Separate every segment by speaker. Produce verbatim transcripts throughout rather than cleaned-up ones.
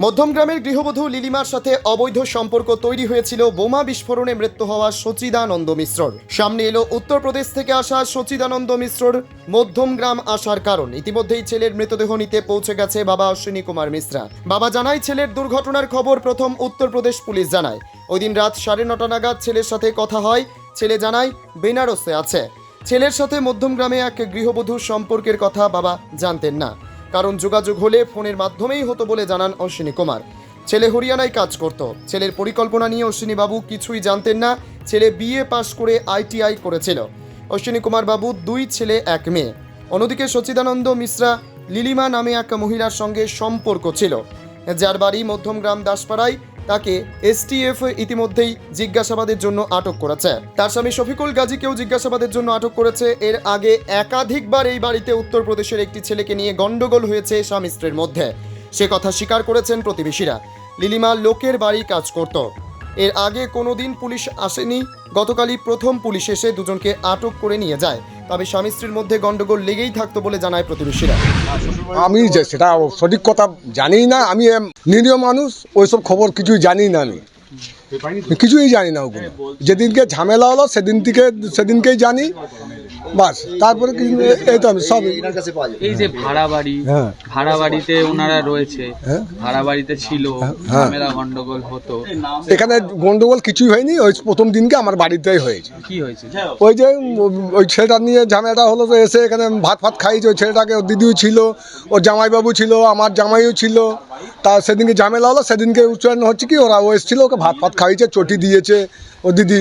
Speaker 1: মধ্যমগ্রামের গৃহবধূ লিলিমার সাথে অবৈধ সম্পর্ক তৈরি হয়েছিল বোমা বিস্ফোরণে মৃত্যু হওয়া সচিদানন্দ মিশ্রর। সামনে এলো উত্তরপ্রদেশ থেকে আসা সচিদানন্দ মিশ্রর মধ্যমগ্রাম আসার কারণ। ইতিমধ্যেই ছেলের মৃতদেহ নিতে পৌঁছে গেছে বাবা অশ্বিনী কুমার মিশ্রা। বাবা জানায়, ছেলের দুর্ঘটনার খবর প্রথম উত্তরপ্রদেশ পুলিশ জানায়। ওই দিন রাত সাড়ে নটা নাগাদ ছেলের সাথে কথা হয়। ছেলে জানায় বেনারসে আছে। ছেলের সাথে মধ্যমগ্রামে এক গৃহবধূর সম্পর্কের কথা বাবা জানতেন না, কারণ যোগাযোগ হলে ফোনের মাধ্যমেই হতো বলে জানান অশ্বিনী কুমার। ছেলে হরিয়ানায় কাজ করত। ছেলের পরিকল্পনা নিয়ে অশ্বিনী বাবু কিছুই জানতেন না। ছেলে বিএ পাশ করে আইটিআই করেছিল। অশ্বিনী কুমার বাবু দুই ছেলে এক মেয়ে। অন্যদিকে সচিদানন্দ মিশ্রা লিলিমা নামে এক মহিলার সঙ্গে সম্পর্ক ছিল, যার বাড়ি মধ্যমগ্রাম দাসপাড়ায়। তাকে এসটিএফ ইতিমধ্যেই জিজ্ঞাসাবাদের জন্য আটক করেছে। তার স্বামী শফিকুল গাজীকেও জিজ্ঞাসাবাদের জন্য আটক করেছে। এর আগে একাধিকবার এই বাড়িতে উত্তরপ্রদেশের একটি ছেলেকে নিয়ে গন্ডগোল হয়েছে স্বামী স্ত্রীর মধ্যে, সে কথা স্বীকার করেছেন প্রতিবেশীরা। লিলিমা লোকের বাড়ি কাজ করত। এর আগে কোনোদিন পুলিশ আসেনি। গতকালই প্রথম পুলিশ এসে দুজনকে আটক করে নিয়ে যায়। তবে স্বামী স্ত্রীর মধ্যে গন্ডগোল লেগেই থাকতো বলে জানায় প্রতিবেশীরা।
Speaker 2: আমি যে সেটা সঠিক কথা জানি না, আমি নিরীহ মানুষ, ওইসব খবর কিছুই জানি না, আমি কিছুই জানি না। ওগুলো যেদিনকে ঝামেলা হলো সেদিন থেকে সেদিনকেই জানি, বাস। তারপরে এই তো আমি সব
Speaker 3: এই যে ভাড়া বাড়ি,
Speaker 2: হ্যাঁ
Speaker 3: ভাড়া বাড়িতে ওনারা রয়েছে,
Speaker 2: হ্যাঁ
Speaker 3: ভাড়া বাড়িতে ছিল, ঝামেলা গন্ডগোল হতো।
Speaker 2: এখানে গন্ডগোল কিছুই হয়নি। ওই প্রথম দিনকে আমার বাড়িতেই হয়েছে।
Speaker 3: কি হয়েছে?
Speaker 2: ওই যে ওই ছেলেটা নিয়ে ঝামেলাটা হলো, তো এসে এখানে ভাত ফাত খাইছে। ওই ছেলেটাকে ওর দিদিও ছিল, ওর জামাইবাবু ছিল, আমার জামাইও ছিল। তা সেদিনকে ঝামেলা হলো, সেদিনকে উচ্চারণ হচ্ছে কি ওরা ও এসেছিল, ওকে ভাত ফাত খাইছে, চটি দিয়েছে ও দিদি।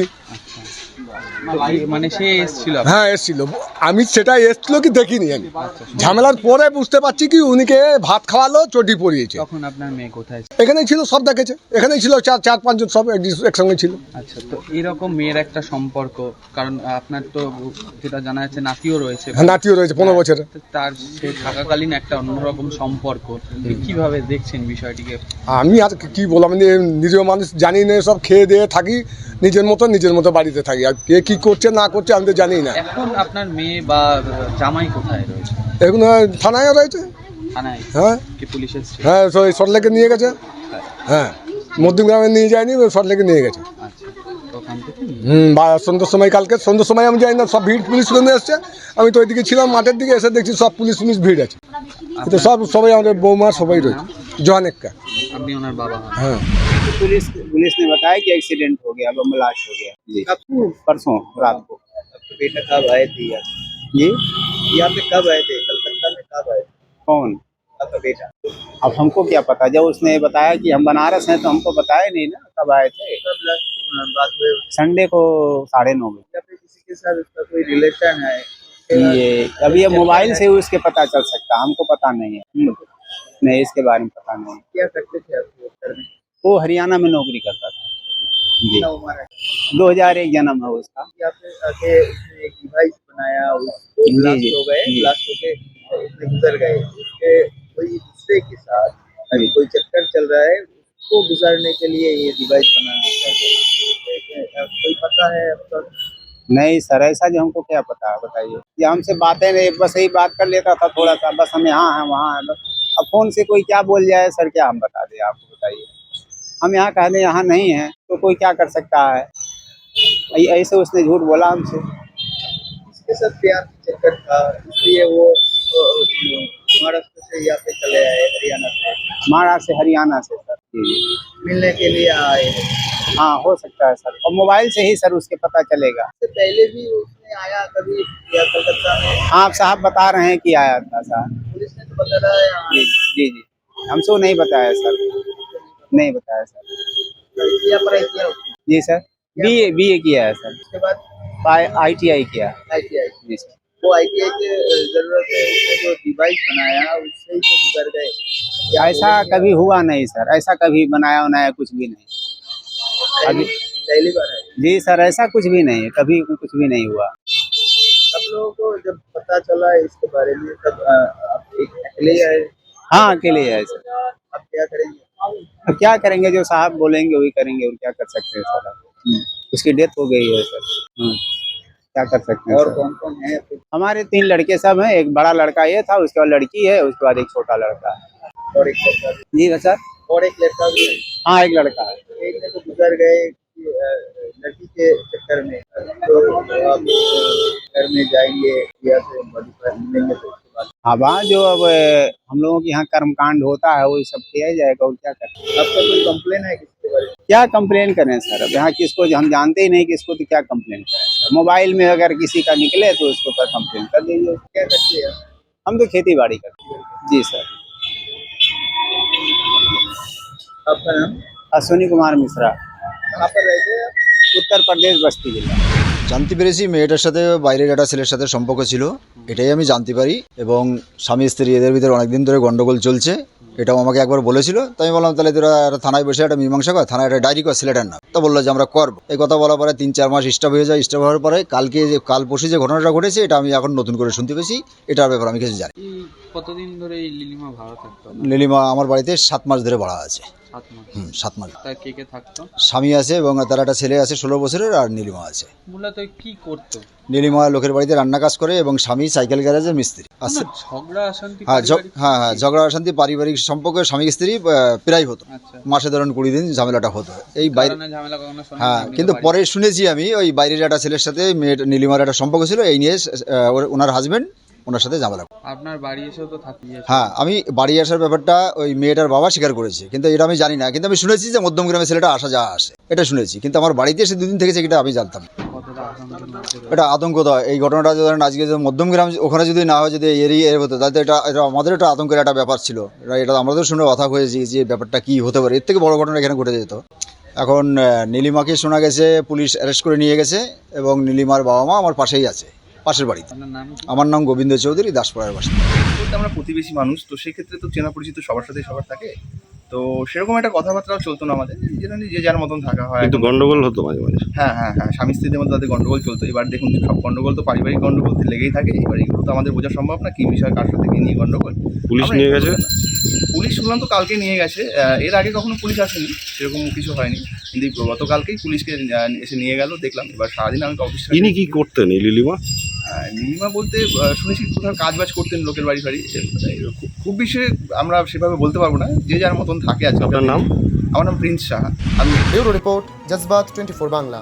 Speaker 3: মানে সে এসেছিল?
Speaker 2: হ্যাঁ এসেছিল। আমি সেটা এসেছিল কি দেখিনি। আমি ঝামেলার পরে বুঝতে পারছি কি উনিকে ভাত খাওয়ালো, চটি পরিয়েছে।
Speaker 3: তখন আপনার মেয়ে কোথায়?
Speaker 2: এখানেই ছিল, সব দেখেছে। এখানেই ছিল, চার চার পাঁচজন সব একসঙ্গে ছিল।
Speaker 3: আচ্ছা, তো এরকম মেয়ের একটা সম্পর্ক, কারণ আপনার তো যেটা জানা যাচ্ছে নাতিও রয়েছে।
Speaker 2: হ্যাঁ নাতিও রয়েছে পনেরো বছরে।
Speaker 3: তার সে থাকাকালীন একটা অন্যরকম সম্পর্ক, কিভাবে দেখছেন বিষয়টিকে?
Speaker 2: আমি আর কি বললাম, আমি নিরীহ মানুষ, জানি না। সব খেয়ে দিয়ে থাকি নিজের মতো, নিজের মতো বাড়িতে থাকি। আর কে কি করছে না করছে আমি তো জানি না।
Speaker 3: এখন আপনার মেয়ে বা জামাই কোথায় রয়েছে?
Speaker 2: এখন থানায় রয়েছে।
Speaker 3: থানায়?
Speaker 2: হ্যাঁ।
Speaker 3: কি পুলিশ এসেছে?
Speaker 2: হ্যাঁ সরলেকে নিয়ে গেছে। হ্যাঁ মধ্যমগ্রামে নিয়ে যায়নি, সরলেকে নিয়ে গেছে।
Speaker 3: আচ্ছা, ওখান থেকে
Speaker 2: হুম বা সন্ধ্যার সময়, কালকে সন্ধ্যার সময় আমি জানি না, সব ভিড় পুলিশ নিয়ে এসছে। আমি তো ওইদিকে ছিলাম মাঠের দিকে, এসে দেখছি সব পুলিশ পুলিশ ভিড় আছে। তো সব সবাই আমাদের বৌমা সবাই রয়েছে। জোহানেক্কা।
Speaker 3: আপনি ওনার বাবা?
Speaker 2: হ্যাঁ।
Speaker 4: पुलिस पुलिस ने बताया कि एक्सीडेंट हो गया, बम ब्लास्ट हो गया जी। कब? परसों रात को।
Speaker 5: तो बेटा कब आए थे यहाँ?
Speaker 4: ये
Speaker 5: यहाँ पे कब आए थे? कलकत्ता में कब आए थे
Speaker 4: कौन?
Speaker 5: आपका बेटा?
Speaker 4: अब हमको क्या पता, जब उसने बताया कि हम बनारस हैं तो हमको बताया नहीं ना कब आए थे।
Speaker 5: कब last बात हुई?
Speaker 4: संडे को साढ़े नौ बजे।
Speaker 5: या फिर किसी के साथ उसका कोई रिलेशन है?
Speaker 4: ये अब ये मोबाइल से ही उसके पता चल सकता, हमको पता नहीं है। हम्म, नहीं इसके बारे में पता नहीं।
Speaker 5: क्या करते थे आप वो घर में?
Speaker 4: वो हरियाणा में नौकरी करता था जी।
Speaker 5: कितना उम्र है?
Speaker 4: दो हजार एक जन्म है उसका।
Speaker 5: यहाँ पे आके उसने एक डिवाइस बनाया, उसको
Speaker 4: जी,
Speaker 5: ब्लास्ट
Speaker 4: जी,
Speaker 5: हो गए,
Speaker 4: जी।
Speaker 5: ब्लास्ट होके उसने गुजर गए। उसके कोई दूसरे के साथ अभी कोई चक्कर चल रहा है, उसको गुजारने के लिए ये डिवाइस बनाना चाहिए। कोई पता है आपका?
Speaker 4: नहीं सर, ऐसा जो हमको क्या पता है बताइए। ये हमसे बातें नहीं, बस यही बात कर लेता था थोड़ा सा, बस हम यहाँ हैं वहाँ हैं बस। अब फोन से कोई क्या बोल जाए सर, क्या हम बता दें आपको, बताइए। हम यहाँ कह दें यहाँ नहीं है तो कोई क्या कर सकता है। ऐ- ऐसे उसने झूठ बोला हमसे।
Speaker 5: इसके साथ प्यार चक्कर था, इसलिए वो अ, महाराष्ट्र से यहाँ पे चले आए, हरियाणा से
Speaker 4: महाराष्ट्र से हरियाणा से सर जी।
Speaker 5: मिलने के लिए आए।
Speaker 4: हाँ हो सकता है सर, और मोबाइल से ही सर उसके पता चलेगा।
Speaker 5: इससे पहले भी उसने आया कभी या कलकत्ता में?
Speaker 4: हाँ आप साहब बता रहे हैं कि आया था सर।
Speaker 5: पुलिस ने तो बता रहा है यहाँ
Speaker 4: जी जी जी हमसे वो नहीं बताया सर, नहीं बताया सर।
Speaker 5: किया पढ़ाई किया उसने।
Speaker 4: जी sir, B A B A किया है सर,
Speaker 5: उसके बाद
Speaker 4: आई टी आई किया।
Speaker 5: आईटीआई।
Speaker 4: जी सर।
Speaker 5: वो आईटीआई की जरूरत है, उसने जो डिवाइस बनाया उससे ही तो गुजर गए। या
Speaker 4: ऐसा कभी हुआ नहीं सर, ऐसा कभी बनाया बनाया कुछ भी नहीं।
Speaker 5: पहली पहली बार है।
Speaker 4: जी सर, ऐसा कुछ भी नहीं है, कभी कुछ भी नहीं हुआ।
Speaker 5: आप लोगों को जब पता चला इसके बारे में तब अ, आप एक अकेले आए?
Speaker 4: हाँ अकेले ही है सर।
Speaker 5: आप क्या करेंगे?
Speaker 4: अब क्या करेंगे, जो साहब बोलेंगे वही करेंगे, और क्या कर सकते हैं सर। उसकी डेथ हो गई है सर। हम्म, क्या कर सकते हैं
Speaker 5: और
Speaker 4: सर?
Speaker 5: कौन कौन है?
Speaker 4: हमारे तीन लड़के सब हैं, एक बड़ा लड़का ये था, उसके बाद लड़की है, उसके बाद एक छोटा लड़का है।
Speaker 5: और एक बच्चा भी।
Speaker 4: जी सर,
Speaker 5: और एक लड़का भी है।
Speaker 4: हाँ एक लड़का है।
Speaker 5: एक ने तो गुजर गए कि, अ, लड़की के चक्कर में, तो आप घर में जाएंगे या फिर बॉडी पर मिलेंगे तो उसके बाद
Speaker 4: हाँ वहाँ जो अब अ, हम लोगों के यहाँ कर्मकांड होता है वही सब किया जाएगा और क्या करें।
Speaker 5: आपका कोई कंप्लेन है किसके बारे में?
Speaker 4: क्या कंप्लेन करें सर, अब यहाँ किसको हम जानते ही नहीं किसको, तो क्या कंप्लेन करें सर। मोबाइल में अगर किसी का निकले तो उसके ऊपर कंप्लेन कर दीजिए।
Speaker 5: क्या करते हैं?
Speaker 4: हम तो खेती बाड़ी करते हैं। जी सर।
Speaker 5: आपका नाम?
Speaker 4: अश्विनी कुमार मिश्रा,
Speaker 5: कहाँ पर रहते हैं आप?
Speaker 4: उत्तर प्रदेश बस्ती जिला।
Speaker 6: জানতে পেরেছি মেয়েটার সাথে বাইরের একটা ছেলের সাথে সম্পর্ক ছিল, এটাই আমি জানতে পারি। এবং স্বামী স্ত্রী এদের ভিতরে অনেকদিন ধরে গন্ডগোল চলছে, এটাও আমাকে একবার বলেছিল। তো আমি বললাম তাহলে তোরা একটা থানায় বসে একটা মীমাংসা কর, থানায় একটা ডায়েরি কর ছেলেটার নাম। তো বললো যে আমরা করবো। এই কথা বলার পরে তিন চার মাস স্টপ হয়ে যায়। স্টপ হওয়ার পরে কালকে যে কাল পরশু যে ঘটনাটা ঘটেছে এটা আমি এখন নতুন করে শুনতে পেয়েছি। এটার ব্যাপারে আমি কিছু জানি।
Speaker 3: এই কতদিন ধরে এই লিলিমা ভাড়া থাকতো?
Speaker 6: নীলিমা আমার বাড়িতে সাত মাস ধরে ভাড়া আছে।
Speaker 3: সাত মাস।
Speaker 6: হুম সাত মাস।
Speaker 3: তার কে কে থাকতো?
Speaker 6: স্বামী আছে এবং তার একটা ছেলে আছে ষোলো বছরের, আর নীলিমা আছে।
Speaker 3: মূলত কি করতো?
Speaker 6: নীলিমা লোকের বাড়িতে রান্না কাজ করে এবং স্বামী সাইকেল গ্যারেজের মিস্ত্রি আছে।
Speaker 3: না, ঝগড়া অশান্তি
Speaker 6: হ্যাঁ ঝগ-
Speaker 3: পারিবারিক
Speaker 6: হ্যাঁ হ্যাঁ ঝগড়া অশান্তি পারিবারিক সম্পর্কে স্বামী স্ত্রী আহ, প্রায় হতো।
Speaker 3: আচ্ছা।
Speaker 6: মাসে ধরুন কুড়ি দিন ঝামেলাটা হতো এই বাইরে।
Speaker 3: কারণে ঝামেলা কখনো শোনা
Speaker 6: হ্যাঁ
Speaker 3: যায়নি
Speaker 6: কিন্তু
Speaker 3: তো
Speaker 6: পরে শুনেছি আমি ওই বাইরের একটা ছেলের সাথে মেয়ের নীলিমার একটা সম্পর্ক ছিল, এই নিয়ে আহ, ওর- ওনার হাজবেন্ড ওনার সাথে ঝামেলা করে।
Speaker 3: বাড়ি। আপনার বাড়ি এসেও তো থাকিয়ে
Speaker 6: হ্যাঁ আমি বাড়ি আসার ব্যাপারটা ওই মেয়েটার বাবা স্বীকার করেছে, কিন্তু এটা আমি জানি না। কিন্তু আমি শুনেছি যে মধ্যম গ্রামে ছেলেটা আসা যাওয়া আসে, এটা শুনেছি। কিন্তু আমার বাড়িতে এসে দুদিন থেকেছে এটা আমি জানতাম না।
Speaker 3: কতটা আতঙ্কের মধ্যে রয়েছে।
Speaker 6: এটা আতঙ্ক দেয় এই ঘটনাটা। ধরেন আজকে যে মধ্যম গ্রাম ওখানে যদি না হয়, যদি এরিয়া এর হতো, তাহলে তো এটা এটা আমাদের একটা আতঙ্কের একটা ব্যাপার ছিল। এটা এটা আমাদের শুনে কথা হয়েছে যে ব্যাপারটা কি হতে পারে, এর থেকে বড় ঘটনা এখানে ঘটে যেত। এখন আহ, নীলিমাকে শোনা গেছে পুলিশ অ্যারেস্ট করে নিয়ে গেছে এবং নীলিমার বাবা মা আমার পাশেই আছে, পাশের বাড়িতে।
Speaker 3: আপনার নাম কি?
Speaker 6: আমার নাম গোবিন্দ চৌধুরী, দাসপাড়ার বাসিন্দা।
Speaker 7: বলতে আমরা প্রতিবেশী মানুষ, তো সেই ক্ষেত্রে তো চেনা পরিচিত সবার সাথে সবার থাকে, তো সেরকম একটা কথাবার্তাও চলতো না আমাদের, যেটা নিয়ে যে যার মতন থাকা হয়।
Speaker 8: কিন্তু গন্ডগোল হতো মাঝে মাঝে।
Speaker 7: হ্যাঁ হ্যাঁ হ্যাঁ স্বামী স্ত্রীদের মধ্যে তাদের গন্ডগোল চলতো। এবার দেখুন সব গন্ডগোল তো পারিবারিক গন্ডগোল তো লেগেই থাকে। এবার এগুলো তো আমাদের বোঝা সম্ভব না কি বিষয় কার সাথে কি নিয়ে গন্ডগোল।
Speaker 8: পুলিশ
Speaker 7: আমরা
Speaker 8: নিয়ে
Speaker 7: এগুলো
Speaker 8: গেছে?
Speaker 7: বলতে না। পুলিশ শুনলাম তো কালকে নিয়ে গেছে। আহ, এর আগে কখনো পুলিশ আসেনি, সেরকম কিছু হয়নি, কিন্তু এই গতকালকেই পুলিশকে আহ, এসে নিয়ে গেল দেখলাম। এবার সারাদিন আমি অফিস
Speaker 8: ইনি কি করতেন এই লিলিমা?
Speaker 7: নীলিমা বলতে আহ, শুনেছি কোথাও কাজ বাজ করতেন লোকের বাড়ি বাড়ি। খুব- খুব বেশি আমরা সেভাবে বলতে পারবো না, যে যার মতন থাকে আছে।
Speaker 8: আপনার নাম?
Speaker 7: আমার নাম প্রিন্স সাহা। আমি
Speaker 1: bureau report, Jazbaat twenty four Bangla.